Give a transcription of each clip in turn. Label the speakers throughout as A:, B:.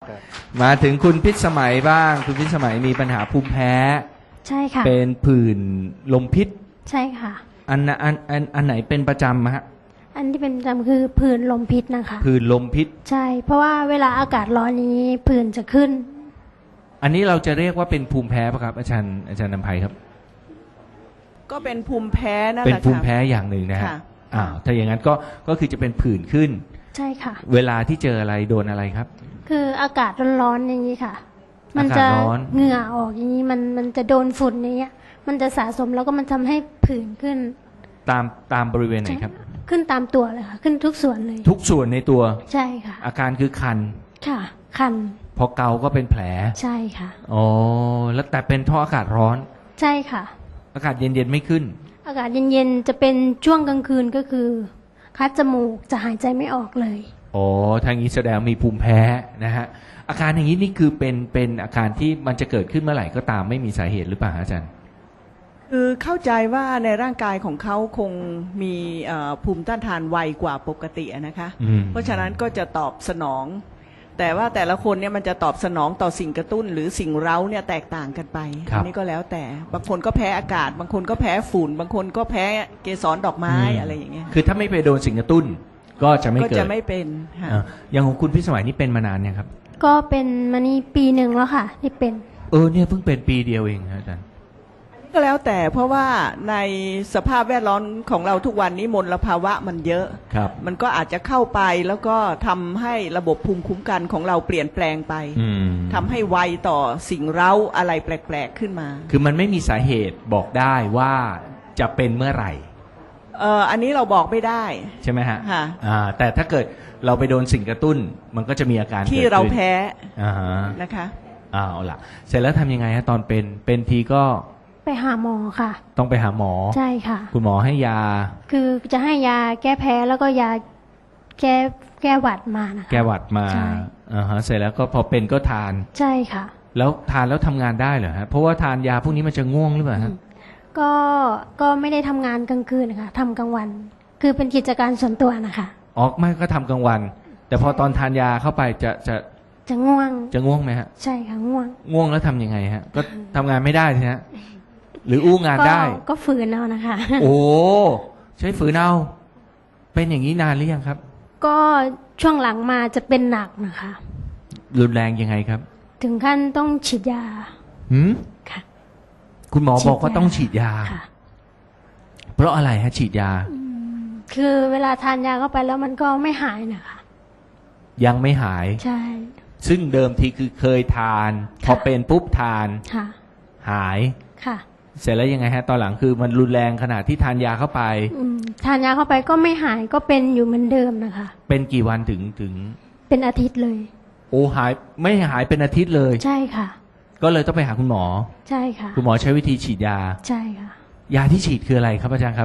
A: มาถึงคุณพิษสมัยบ้าง คุณพิษสมัยมีปัญหาภูมิแพ้
B: ใช่ค่ะ
A: เป็นผื่นลมพิษ
B: ใช่ค่ะ
A: อันไหนเป็นประจำฮะ
B: อันที่เป็นประจำคือผื่นลมพิษนะคะ
A: ผื่นลมพิษ
B: ใช่ เพราะว่าเวลาอากาศร้อนนี้ผื่นจะขึ้น
A: อันนี้เราจะเรียกว่าเป็นภูมิแพ้ป่ะครับอาจารย์นำไพครับ
C: ก็เป็นภูมิแพ้นั่นแห
A: เป็น
C: ละ
A: ภูมิ
C: ค่ะ
A: แพ้อย่างหนึ่งนะฮะ
C: ค่ะ
A: ถ้าอย่างนั้นก็คือจะเป็นผื่นขึ้น
B: ใช่ค่ะ
A: เวลาที่เจออะไรโดนอะไรครับ
B: คืออากาศร้อนๆอย่างนี้ค่ะ มันจะ
A: อากาศร้อน
B: เหงื่อออกอย่างนี้มันจะโดนฝุ่นอย่างเงี้ย มันจะสะสมแล้วก็มันทำให้ผื่นขึ้น
A: ตามบริเวณไหนครับ
B: ขึ้นตามตัวเลยค่ะ ขึ้นทุกส่วนเลย
A: ทุกส่วนในตัว
B: ใช่ค่ะ
A: อาการคือคัน
B: ค่ะ คัน
A: พอเกาก็เป็นแผล
B: ใช่ค่ะ
A: อ๋อแล้วแต่เป็นเพราะอากาศร้อน
B: ใช่ค่ะ
A: อากาศเย็นๆไม่ขึ้น
B: อากาศเย็นๆจะเป็นช่วงกลางคืนก็คือ คัดจมูกจะหายใจไม่ออกเลย
A: อ๋อทางนี้แสดงมีภูมิแพ้นะฮะ อาการอย่างนี้นี่คือเป็นอาการที่มันจะเกิดขึ้นเมื่อไหร่ก็ตามไม่มีสาเหตุหรือเปล่าอาจารย์
C: คือเข้าใจว่าในร่างกายของเขาคงมีภูมิต้านทานไวกว่าปกติอะนะคะ
A: อืม
C: เพราะฉะนั้นก็จะตอบสนอง แต่ว่าแต่ละคนเนี่ยมันจะตอบสนองต่อสิ่งกระตุ้นหรือสิ่งเร้าเนี่ยแตกต่างกันไปอันี้ก็แล้วแต่บางคนก็แพ้อากาศ บางคนก็แพ้ฝุ่น บางคนก็แพ้เกสรดอกไม้อะไรอย่างเงี้ย
A: คือถ้าไม่ไปโดนสิ่งกระตุ้น ก็จะไม่
C: ก็
A: เกิด
C: จะไม่เป็นค่ะ
A: อย่างของคุณพิสมัยนี่เป็นมานานยังครับ
B: ก็เป็นมานี่ปีหนึ่งแล้วค่ะ ที่เป็น
A: เนี่ยเพิ่งเป็นปีเดียวเองครับอาจารย์
C: ก็แล้วแต่เพราะว่าในสภาพแวดล้อมของเราทุกวันนี้มลภาวะมันเยอะ
A: ครับ
C: มันก็อาจจะเข้าไปแล้วก็ทำให้ระบบภูมิคุ้มกันของเราเปลี่ยนแปลงไป
A: อืม
C: ทำให้ไวต่อสิ่งเร้าอะไรแปลกๆขึ้นมา
A: คือมันไม่มีสาเหตุบอกได้ว่าจะเป็นเมื่อไหร่
C: อันนี้เราบอกไม่ได้
A: ใช่ไหมฮะ
C: ค่ะ
A: แต่ถ้าเกิดเราไปโดนสิ่งกระตุ้น มันก็จะมีอาการ
C: ที่
A: กิดขึ้น
C: เราแพ้
A: อ่าฮะ
C: นะคะ
A: เอาล่ะ เสร็จแล้วทำยังไงฮะตอนเป็นทีก็
B: ไปหาหมอค่ะ
A: ต้องไปหาหมอ
B: ใช่ค่ะ
A: คุณหมอให้ยา
B: คือจะให้ยาแก้แพ้แล้วก็ยาแก้หวัดมานะคะ
A: แก้หวัดมา
B: ใช่
A: เสร็จแล้วก็พอเป็นก็ทาน
B: ใช่ค่ะ
A: แล้วทานแล้วทำงานได้เหรอฮะเพราะว่าทานยาพวกนี้มันจะง่วงหรือเปล่าฮะ
B: ก็ไม่ได้ทำงานกลางคืนนะคะทำกลางวัน คือเป็นกิจการส่วนตัวนะคะ
A: อ๋อไม่ก็ทำกลางวัน แต่พอตอนทานยาเข้าไป
B: จะง่วง
A: จะง่วงไหมฮะ
B: ใช่ค่ะง่วง
A: ง่วงแล้วทำยังไงฮะ ก็ทำงานไม่ได้ใช่ฮะหรืออู้งานได้
B: ก็ฝืนเอานะคะ
A: โอ้ใช้ฝืนเอาเป็นอย่างนี้นานหรือยังครับ
B: ก็ช่วงหลังมาจะเป็นหนักนะคะ
A: รุนแรงยังไงครับ
B: ถึงขั้นต้องฉีดยา
A: หืม
B: ค่ะ
A: คุณหมอบอกว่าต้องฉีดยา
B: ค่ะ
A: เพราะอะไรฮะฉีดยา
B: คือเวลาทานยาเข้าไปแล้วมันก็ไม่หายนะคะ
A: ยังไม่หาย
B: ใช่
A: ซึ่งเดิมทีคือเคยทาน พอเป็นปุ๊บทาน
B: ค่ะ
A: หาย
B: ค่ะ
A: เสร็จแล้วยังไงฮะ ตอนหลังคือมันรุนแรงขนาดที่ทานยาเข้าไป
B: ทานยาเข้าไปก็ไม่หายก็เป็นอยู่เหมือนเดิมนะคะ
A: เป็นกี่วันถึง
B: เป็นอาทิตย์เลย
A: โอ้หายไม่หายเป็นอาทิตย์เลย
B: ใช่ค่ะ
A: ก็เลยต้องไปหาคุณหมอ
B: ใช่ค่ะ
A: คุณหมอใช้วิธีฉีดยา
B: ใช่ค่ะ
A: ยาที่ฉีดคืออะไรครับอาจารย์ครับ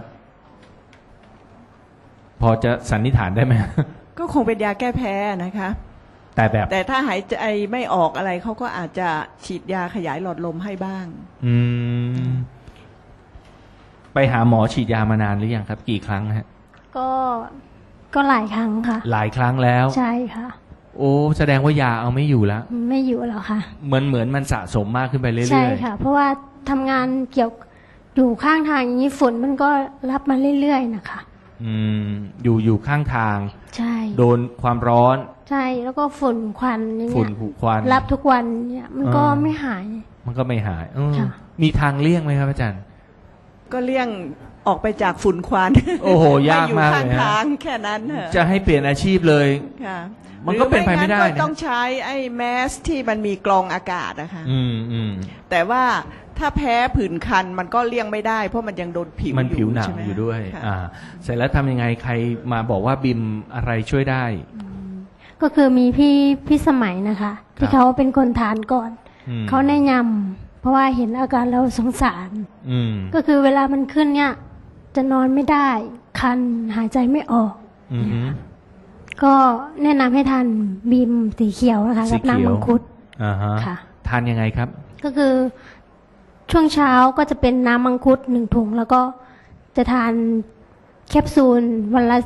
A: พอจะสันนิษฐานได้ไหม
C: ก็คงเป็นยาแก้แพ้นะคะ
A: แต่แบบ
C: แต่ถ้าหายใจไม่ออกอะไรเขาก็อาจจะฉีดยาขยายหลอดลมให้บ้าง
A: อืม ไปหาหมอฉีดยามานานหรือยังครับ กี่ครั้งฮะ
B: ก็หลายครั้งค่ะ
A: หลายครั้งแล้ว
B: ใช่ค่ะ
A: โอ้แสดงว่ายาเอาไม่อยู่แล้ว
B: ไม่อยู่แล้วค่ะ
A: เหมือนมันสะสมมากขึ้นไปเรื่อยๆ
B: ใช่ค่ะ เพราะว่าทำงานเกี่ยวอยู่ข้างทางอย่างนี้ฝนมันก็รับมาเรื่อยๆนะคะ
A: อืมอยู่ข้างทาง
B: ใช่
A: โดนความร้อน
B: ใช่แล้วก็ฝุ่นควันอย่าง
A: ฝุ่
B: เงี้
A: น
B: ย
A: ควัน
B: รับทุกวันเนี่ยมันก็ไม่หาย
A: มันก็ไม่หาย
B: ค่ะ
A: มีทางเลี่ยงไหมครับอาจารย์
C: ก็เลี่ยงออกไปจากฝุ่นควัน
A: โอ้โหยากมาก
C: ไอยู่
A: เลยฮะ
C: ข้างทางแค่นั้นเถอะ
A: จะให้เปลี่ยนอาชีพเลย
C: ค่ะ
A: มันก็เป็นไปไม่ได้
C: หรืองั้น
A: นะ
C: ก็ต้องใช้ไอ้แมสที่มันมีกรองอากาศนะคะ
A: อืม
C: แต่ว่าถ้าแพ้ผื่นคันมันก็เลี่ยงไม่ได้ เพราะมันยังโดนผิว
A: มันผิวหนัง
C: ใช่ไม
A: อยู่ด้วย
C: ค่ะ
A: เสร็จแล้วทำยังไงใครมาบอกว่าบิมอะไรช่วยได้
B: ก็คือมีพี่สมัยนะคะ ที่เขาเป็นคนทานก่อน
A: อืม
B: เขาแนะนำเพราะว่าเห็นอาการเราสงสาร
A: อืม
B: ก็คือเวลามันขึ้นเนี่ย จะนอนไม่ได้ คันหายใจไม่ออก
A: อืม
B: ก็แนะนำให้ทานบีมสีเขียวนะคะ
A: สี
B: กับ
A: เขียว
B: น้ำมังคุด
A: ค่ะ ทานยังไงครับ
B: ก็คือช่วงเช้าก็จะเป็นน้ำมังคุด1 ถุง แล้วก็จะทานแคปซูลวันละ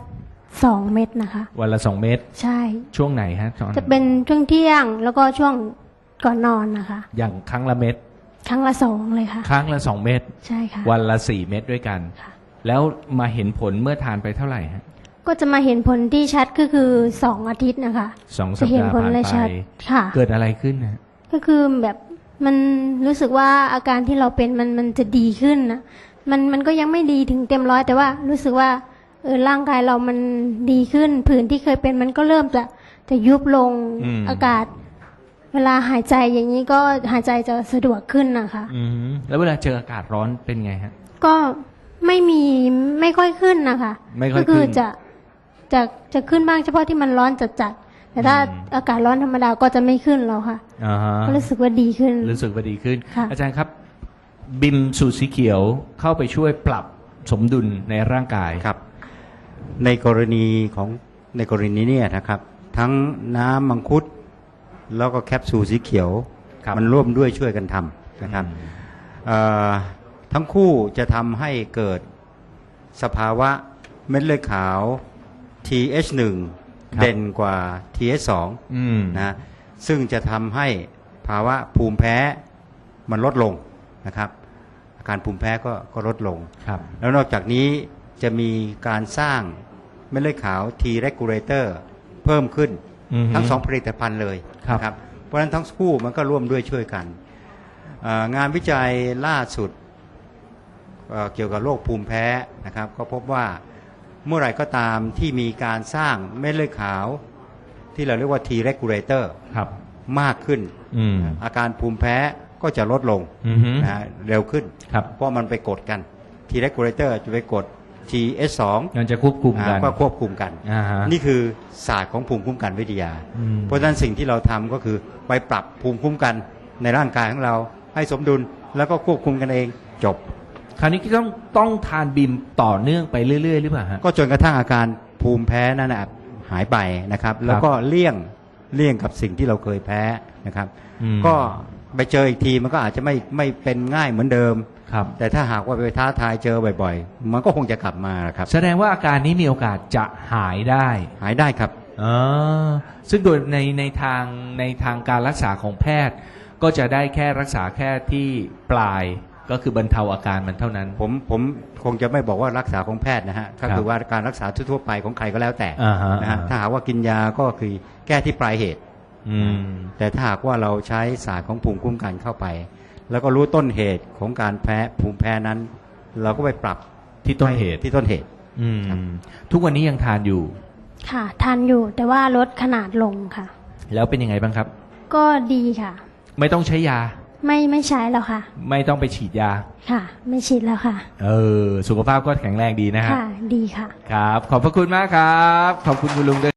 B: 2 เม็ดนะคะ
A: วันละ2 เม็ด
B: ใช่
A: ช่วงไหนฮะตอน
B: จะเป็นช่วงเที่ยงแล้วก็ช่วงก่อนนอนนะคะ
A: อย่างครั้งละเม็ด
B: ครั้งละ2เลยค่ะ
A: ครั้งละ2 เม็ด
B: ใช่ค่ะ
A: วันละ4 เม็ดด้วยกัน
B: ค่ะ
A: แล้วมาเห็นผลเมื่อทานไปเท่าไหร่ฮะ
B: ก็จะมาเห็นผลที่ชัดก็คือ2 อาทิตย์นะคะ
A: 2 สั
B: จะ
A: ป
B: เห็น
A: ดาห์
B: ผล
A: ผ่าน
B: เลย
A: ไป
B: ชัดค่ะ
A: เกิดอะไรขึ้นนะ
B: ก็คือแบบมันรู้สึกว่าอาการที่เราเป็นมันจะดีขึ้นนะมันก็ยังไม่ดีถึงเต็มร้อยแต่ว่ารู้สึกว่าร่างกายเรามันดีขึ้นผื่นที่เคยเป็นมันก็เริ่มจะยุบลงอากาศ เวลาหายใจอย่างนี้ก็หายใจจะสะดวกขึ้นนะคะ
A: แล้วเวลาเจออากาศร้อนเป็นไงฮะ
B: ก็ไม่ค่อยขึ้นนะคะ
A: ไม่ค่อย
B: ก็คือ
A: ขึ้น
B: จะขึ้นบ้างเฉพาะที่มันร้อนจัดๆแต่ถ้าอากาศร้อนธรรมดาก็จะไม่ขึ้นแล้วค่ะ
A: อ่าฮะ
B: ก็รู้สึกว่าดีขึ้น
A: รู้สึกว่าดีขึ้น
B: ค่ะ
A: อาจารย์ครับบิมสูตรสีเขียวเข้าไปช่วยปรับสมดุลในร่างกาย
D: ครับในกรณีเนี่ยนะครับทั้งน้ำมังคุดแล้วก็แคปซูลสีเขียว
A: ครับ
D: มันร่วมด้วยช่วยกันทำนะครับทั้งคู่จะทำให้เกิดสภาวะเม็ดเลือดขาว TH1 เด่นกว่า TH2 นะซึ่งจะทำให้ภาวะภูมิแพ้มันลดลงนะครับอาการภูมิแพ้ก็ลดลง
A: ครับ
D: แล้วนอกจากนี้จะมีการสร้างเม็ดเลือดขาว T regulator เพิ่มขึ้น ทั้งสองผลิตภัณฑ์เลย
A: ครับ
D: นะครับเพราะฉะนั้นทั้งคู่มันก็ร่วมด้วยช่วยกันงานวิจัยล่าสุดเกี่ยวกับโรคภูมิแพ้นะครับก็พบว่าเมื่อไหร่ก็ตามที่มีการสร้างเม็ดเลือดขาวที่เราเรียกว่า T regulator
A: ครับ
D: มากขึ้น อาการภูมิแพ้ก็จะลดลงนะฮะเร็วขึ้น
A: ครับ
D: เพราะมันไปกดกัน T regulator จะไปกด TH2
A: มันจะควบคุมกัน
D: ก็ควบคุมกัน
A: อ่าฮะ
D: นี่คือศาสตร์ของภูมิคุ้มกันวิทยา เพราะฉะนั้นสิ่งที่เราทำก็คือไปปรับภูมิคุ้มกันในร่างกายของเราให้สมดุลแล้วก็ควบคุมกันเองจบ
A: คราวนี้ก็ต้องทานบิมต่อเนื่องไปเรื่อยๆหรือเปล่าฮะ
D: ก็จนกระทั่งอาการภูมิแพ้นั่นนะหายไปนะครับ แล้วก็เลี่ยงกับสิ่งที่เราเคยแพ้นะครับ ก็ไปเจออีกทีมันก็อาจจะไม่เป็นง่ายเหมือนเดิม
A: ครับ
D: แต่ถ้าหากว่าไปท้าทายเจอบ่อยๆ มันก็คงจะกลับมาครับ
A: แสดงว่าอาการนี้มีโอกาสจะหายได้
D: หายได้ครับ
A: ซึ่งโดยในทางการรักษาของแพทย์ ก็จะได้แค่รักษาแค่ที่ปลายก็คือบรรเทาอาการมันเท่านั้น
D: ผมคงจะไม่บอกว่ารักษาของแพทย์นะฮะก็คือว่าการรักษาทั่วๆไปของใครก็แล้วแต่
A: อ่าฮะ
D: นะฮะถ้าหากว่ากินยาก็คือแก้ที่ปลายเหตุ แต่ถ้าหากว่าเราใช้ศาสตร์ของภูมิคุ้มกันเข้าไป แล้วก็รู้ต้นเหตุของการแพ้ภูมิแพ้นั้น เราก็ไปปรับ
A: ที่ต้นเหตุ
D: ที่ต้นเหตุ
A: ทุกวันนี้ยังทานอยู่
B: ค่ะทานอยู่แต่ว่าลดขนาดลงค่ะ
A: แล้วเป็นยังไงบ้างครับ
B: ก็ดีค่ะ
A: ไม่ต้องใช้ยา
B: ไม่ใช้แล้วค่ะ
A: ไม่ต้องไปฉีดยา
B: ค่ะ ไม่ฉีดแล้วค่ะ
A: สุขภาพก็แข็งแรงดีนะฮะ
B: ค่ะ ดีค่ะ
A: ครับ ขอบพระคุณมากครับ ขอบคุณคุณลุงด้วย